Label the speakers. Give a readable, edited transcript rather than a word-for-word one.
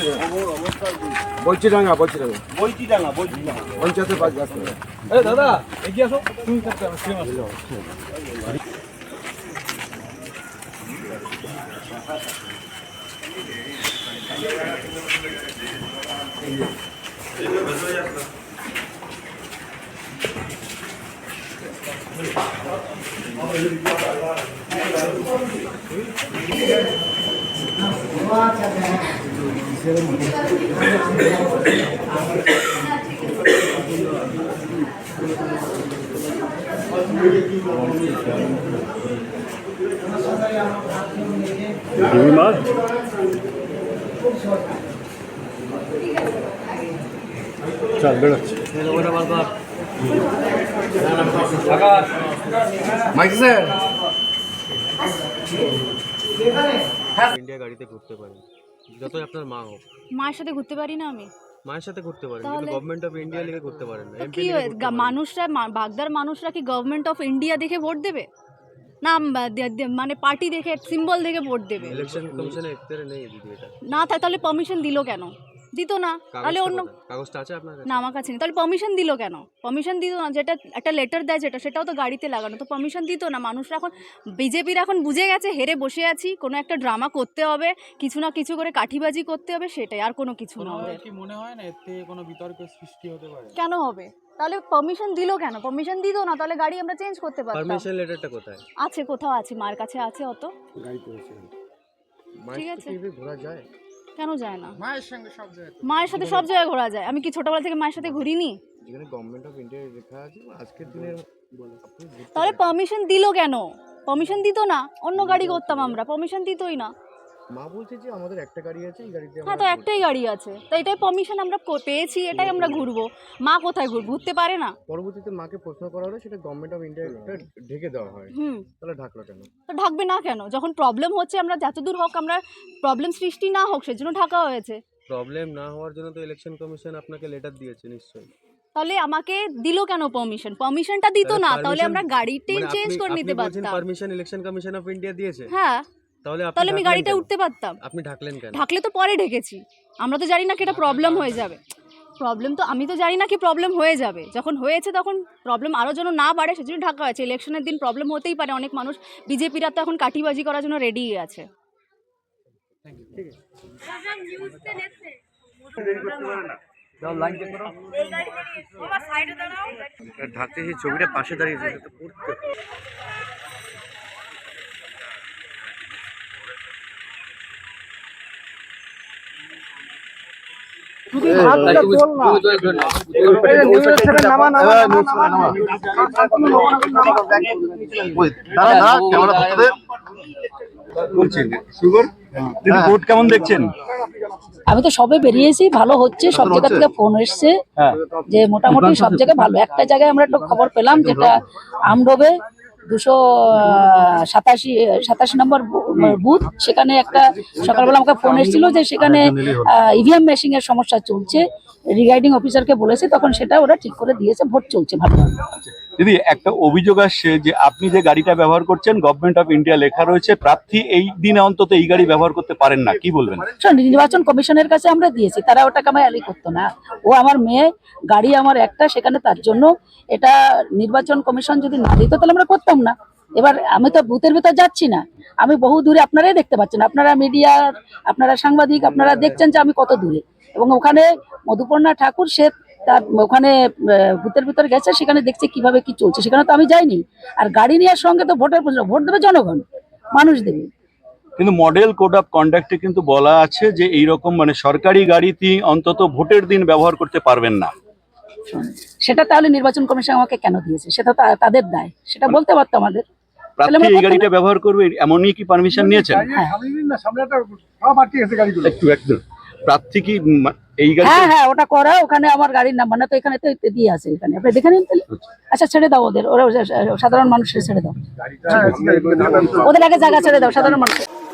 Speaker 1: বলচিডাঙ্গা পঞ্চায়েতের পাঁচ গাছ।
Speaker 2: দাদা এগিয়ে আসো।
Speaker 3: চল বেরোচ্ছি।
Speaker 4: ইন্ডিয়া গাড়িতে ঘুরতে পারেন, যতই আপনার মা হোক।
Speaker 5: মায়ের সাথে ঘুরতে পারি না আমি?
Speaker 4: মায়ের সাথে ঘুরতে পারেন, কিন্তু গভর্নমেন্ট অফ ইন্ডিয়া লিখে ঘুরতে পারেন না।
Speaker 5: কি মানুষরা, বাগদার মানুষরা কি গভর্নমেন্ট অফ ইন্ডিয়া দেখে ভোট দেবে না? মানে পার্টি দেখে, সিম্বল দেখে ভোট দেবে?
Speaker 4: ইলেকশন কমিশনে এখতিয়ারে নেই দিদি এটা।
Speaker 5: না থাকে তাহলে পারমিশন দিল কেন? দিত না তাহলে অন্য
Speaker 4: কাগজটা আছে আপনার?
Speaker 5: না, আমার কাছে নেই। তাহলে পারমিশন দিল কেন? পারমিশন দিত না, যেটা একটা লেটার দেয় যেটা, সেটাও তো গাড়িতে লাগানো, তো পারমিশন দিত না। মানুষরা এখন, বিজেপির এখন বুঝে গেছে হেরে বসে আছি, কোনো একটা ড্রামা করতে হবে, কিছু না কিছু করে কাঠিবাজি করতে হবে, সেটাই, আর কোনো কিছু না। ওদের
Speaker 2: কি মনে হয় না এতে কোনো বিতর্কের সৃষ্টি হতে পারে?
Speaker 5: কেন হবে? তাহলে পারমিশন দিল কেন? পারমিশন দিত না তাহলে গাড়ি আমরা চেঞ্জ করতে পারতাম।
Speaker 4: পারমিশন লেটারটা কোথায়
Speaker 5: আছে, কোথাও আছে, মার কাছে আছে। অত ঠিক আছে,
Speaker 4: ঘোরা যায়?
Speaker 5: কেন যায় না?
Speaker 2: মায়ের সঙ্গে সব জায়গায়,
Speaker 5: মায়ের সাথে সব জায়গায় ঘোরা যায়। আমি কি ছোটবেলা থেকে মায়ের সাথে ঘুরিনি?
Speaker 4: যেখানে গভর্নমেন্ট অফ ইন্ডিয়া লেখা আছে আজকের দিনের।
Speaker 5: তাহলে পারমিশন দিল কেন? পারমিশন দিত না, অন্য গাড়ি করতাম আমরা, পারমিশন দিতই না।
Speaker 4: মা বলছে যে আমাদের একটা গাড়ি আছে, এই গাড়িতে
Speaker 5: হ্যাঁ, তো একটাই গাড়ি আছে, তো এটাই পারমিশন আমরা পেয়েছি, এটাই আমরা ঘুরবো। মা কোথায় ঘুরতে পারে না?
Speaker 4: পরবর্তীতে মাকে প্রশ্ন করা হলে সেটা গভর্নমেন্ট অফ ইন্ডিয়া ঢেকে দেওয়া হয়। তাহলে ঢাকলো কেন?
Speaker 5: তো ঢাকবে না কেন? যখন প্রবলেম হচ্ছে, আমরা যতদূর হোক, আমরা প্রবলেম সৃষ্টি না হোক সেজন্য ঢাকা হয়েছে।
Speaker 4: প্রবলেম না হওয়ার জন্য তো ইলেকশন কমিশন আপনাকে লেটার দিয়েছে নিশ্চয়ই।
Speaker 5: তাহলে আমাকে দিল কেন পারমিশন? পারমিশনটা দিত না, তাহলে আমরা গাড়িটা চেঞ্জ করে নিতে পারতাম।
Speaker 4: Permission election commission of India দিয়েছে?
Speaker 5: হ্যাঁ,
Speaker 4: তাহলে
Speaker 5: আমি গাড়িটা উঠতে পারতাম।
Speaker 4: আপনি ঢাকলেন কেন?
Speaker 5: ঢাকলে তো পরে ঢেকেছি, আমরা তো জানি না কি এটা প্রবলেম হয়ে যাবে। প্রবলেম তো আমি তো জানি না কি প্রবলেম হয়ে যাবে, যখন হয়েছে তখন প্রবলেম আরও যেন না বাড়ে সেজন্য ঢাকা হয়েছে। ইলেকশনের দিন প্রবলেম হতেই পারে, অনেক মানুষ, বিজেপিরা তো এখন কাঠিবাজি করার জন্য রেডি আছে।
Speaker 4: ঢাকতে সেই ছবিটা পাশে দাঁড়িয়েছে।
Speaker 3: কেমন দেখছেন?
Speaker 6: আমি তো সবে বেরিয়েছি, ভালো হচ্ছে, সব জায়গা থেকে ফোন এসছে যে মোটামুটি সব জায়গায় ভালো। একটা জায়গায় আমরা একটা খবর পেলাম, যেটা আমডোবে 287 নম্বর বুথ, সেখানে একটা সকালবেলা আমাকে ফোন এসেছিল যে সেখানে ইভিএম মেশিন এর সমস্যা চলছে, রিগার্ডিং অফিসারকে বলেছে, তখন সেটা ওরা ঠিক করে দিয়েছে, ভোট চলছে ভালো।
Speaker 3: দিদি, একটা অভিযোগ আসছে যে আপনি যে গাড়িটা ব্যবহার করছেন গভর্নমেন্ট অফ ইন্ডিয়া লেখা রয়েছে, প্রার্থী এই দিনে অন্তত এই গাড়ি ব্যবহার করতে পারেন না, কি বলবেন?
Speaker 6: নির্বাচন কমিশনের কাছে আমরা দিয়েছি, তারা ওটাকে আমার অ্যালি করতো না। ও আমার মেয়ে, গাড়ি আমার একটা, সেখানে তার জন্য এটা নির্বাচন কমিশন যদি না দিত তাহলে আমরা করতাম না। এবার আমি তো বুথের ভিতর যাচ্ছি না, আমি বহু দূরে, আপনারাই দেখতে পাচ্ছেন, আপনারা মিডিয়ার, আপনারা সাংবাদিক, আপনারা দেখছেন যে আমি কত দূরে। এবং ওখানে মধুপর্ণা ঠাকুর, সে তার ওখানে বুথের ভিতরে গেছে, সেখানে দেখছে কিভাবে কি চলছে, সেখানে তো আমি যাইনি। আর গাড়ি নেওয়ার সঙ্গে তো ভোট দেবে জনগণ, মানুষ দেবে।
Speaker 3: কিন্তু মডেল কোড অফ কন্ডাক্টে কিন্তু বলা আছে যে এইরকম মানে সরকারি গাড়িতে অন্তত ভোটের দিন ব্যবহার করতে পারবেন না।
Speaker 6: সেটা তাহলে নির্বাচন কমিশন আমাকে কেন দিয়েছে? সেটা তাদের দায়, সেটা বলতে পারতো আমাদের।
Speaker 3: প্রার্থী এই গাড়িটা ব্যবহার করবে এমনই কি পারমিশন নিয়েছেন? একটু প্রার্থী কি এই গাড়ি?
Speaker 6: হ্যাঁ, ওটা করা, ওখানে আমার গাড়ির নাম্বার না তো, এখানে তো দিয়ে আছে, এখানে আপনি দেখে নিন তাহলে। আচ্ছা, ছেড়ে দাও ওদের, ওরা সাধারণ মানুষের ছেড়ে দাও, ওদের আগে জায়গা ছেড়ে দাও সাধারণ মানুষের।